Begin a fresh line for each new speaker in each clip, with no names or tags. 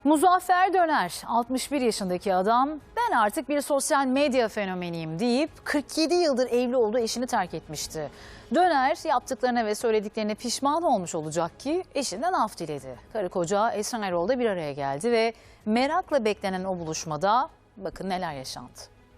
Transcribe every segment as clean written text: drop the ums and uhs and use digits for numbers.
Muzaffer Döner, 61 yaşındaki adam, ben artık bir sosyal medya fenomeniyim deyip 47 yıldır evli olduğu eşini terk etmişti. Döner yaptıklarına ve söylediklerine pişman olmuş olacak ki eşinden af diledi. Karı koca Esra Erol'da bir araya geldi ve merakla beklenen o buluşmada bakın neler yaşandı.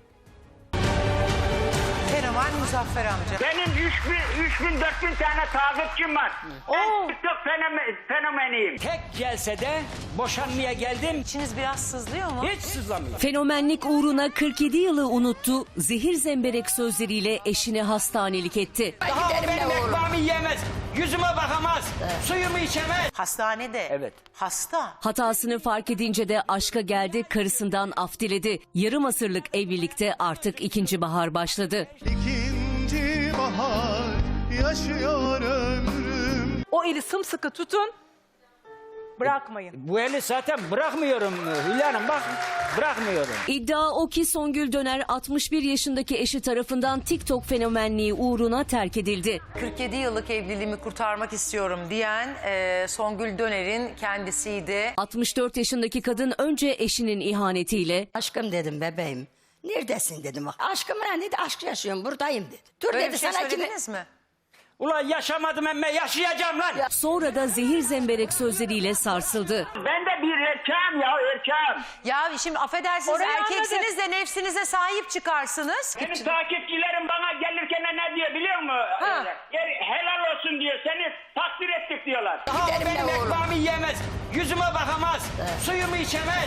Fenomen Muzaffer amca.
Benim 3000 4000 tane takipçim var. Ben TikTok fenomeniyim.
Tek celsede boşanmaya geldim.
İçiniz biraz sızlıyor mu?
Hiç sızlamıyor.
Fenomenlik uğruna 47 yılı unuttu, zehir zemberek sözleriyle eşini hastanelik etti.
Daha o benim ekmeğimi yiyemez, yüzüme bakamaz, suyumu içemez.
Hastanede.
Evet.
Hasta.
Hatasını fark edince de aşka geldi, karısından af diledi. Yarım asırlık evlilikte artık ikinci bahar başladı.
İkinci bahar yaşıyor ömrüm.
O eli sımsıkı tutun, bırakmayın.
Bu eli zaten bırakmıyorum Hülya Hanım, bak bırakmıyorum.
İddia o ki Songül Döner 61 yaşındaki eşi tarafından TikTok fenomenliği uğruna terk edildi.
47 yıllık evliliğimi kurtarmak istiyorum diyen Songül Döner'in kendisiydi.
64 yaşındaki kadın önce eşinin ihanetiyle,
Aşkım dedim bebeğim. Neredesin dedim. Aşkım ben dedi aşk yaşıyorum buradayım dedi. Dur
Böyle
dedi
bir şey
sana kimi...
söylediniz mi?
Ulan yaşamadım emme, yaşayacağım lan.
sonra da zehir zemberek sözleriyle sarsıldı.
Ben de bir erkeğim ya, erkeğim.
Ya şimdi affedersiniz,
Orayı
erkeksiniz de nefsinize sahip çıkarsınız.
Benim takipçilerim bana gelirken ne diyor biliyor musun?
Ha.
Helal olsun diyor, seni takdir ettik diyorlar.
Daha o benim ekmeğimi yiyemez, yüzüme bakamaz, suyumu içemez.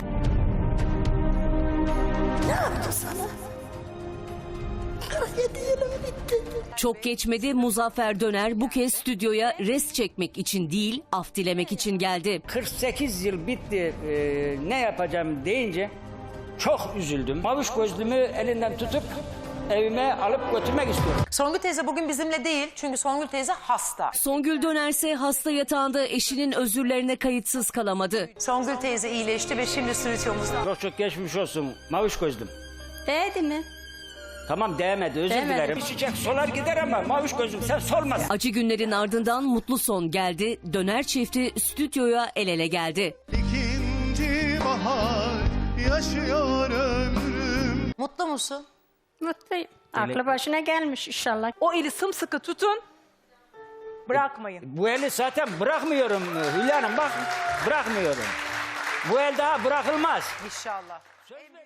Ne yaptı sana? 47 yılım bitti.
Çok geçmedi, Muzaffer Döner bu kez stüdyoya rest çekmek için değil, af dilemek için geldi.
48 yıl bitti, ne yapacağım deyince çok üzüldüm. Maviş gözlümü elinden tutup evime alıp götürmek istiyorum.
Songül teyze bugün bizimle değil çünkü Songül teyze hasta.
Songül Döner ise hasta yatağında eşinin özürlerine kayıtsız kalamadı.
Songül teyze iyileşti ve şimdi stüdyomuzda.
Çok çok geçmiş olsun Maviş gözlüm.
Değdi mi?
Tamam değmedi, özür
Değmedi.
dilerim. Çiçek solar gider ama Maviş gözlüm sen solmasın.
Acı günlerin ardından mutlu son geldi. Döner çifti stüdyoya el ele geldi.
İkinci bahar yaşıyor ömrüm.
Mutlu musun?
Mutluyum. Aklı başına gelmiş inşallah.
O eli sımsıkı tutun, bırakmayın.
Bu eli zaten bırakmıyorum Hülya Hanım, bak bırakmıyorum. Bu el daha bırakılmaz.
İnşallah.